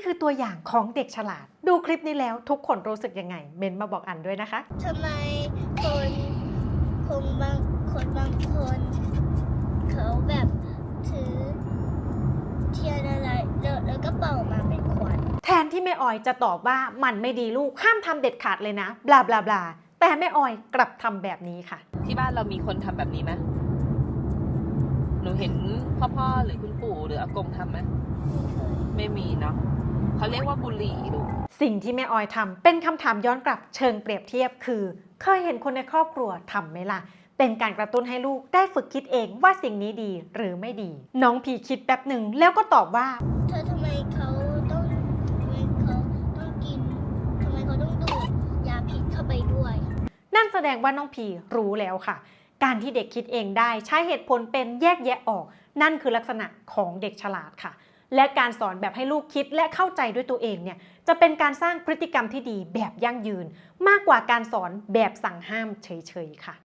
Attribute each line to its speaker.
Speaker 1: คือตัวอย่างของเด็กฉลาดดูคลิปนี้แล้วทุกคนรู้สึกยังไงเมนมาบอกอันด้วยนะคะ
Speaker 2: ทำไมคนบางคนเขาแบบถือเทียนอะไรแล้วก็เป่ามาเป็นควัน
Speaker 1: แทนที่แม่ออยจะตอบว่ามันไม่ดีลูกห้ามทำเด็ดขาดเลยนะบลาบลาบลาแต่แม่ออยกลับทำแบบนี้ค่ะ
Speaker 3: ที่บ้านเรามีคนทำแบบนี้ไหมหนูเห็นพ่อหรือคุณปู่หรืออากงทำไหมไม่มีเนาะเขาเรียกว่าบุหรี่ลูก
Speaker 1: สิ่งที่แม่ออยทำเป็นคำถามย้อนกลับเชิงเปรียบเทียบคือเคยเห็นคนในครอบครัวทำไหมล่ะเป็นการกระตุ้นให้ลูกได้ฝึกคิดเองว่าสิ่งนี้ดีหรือไม่ดีน้องพีคิดแป๊บหนึ่งแล้วก็ตอบว่า
Speaker 2: ทำไมเขาต้องกินทำไมเขาต้องดูดยาพิษเข้าไปด้วย
Speaker 1: นั่นแสดงว่าน้องพีรู้แล้วค่ะการที่เด็กคิดเองได้ใช้เหตุผลเป็นแยกแยะออกนั่นคือลักษณะของเด็กฉลาดค่ะและการสอนแบบให้ลูกคิดและเข้าใจด้วยตัวเองเนี่ยจะเป็นการสร้างพฤติกรรมที่ดีแบบยั่งยืนมากกว่าการสอนแบบสั่งห้ามเฉยๆค่ะ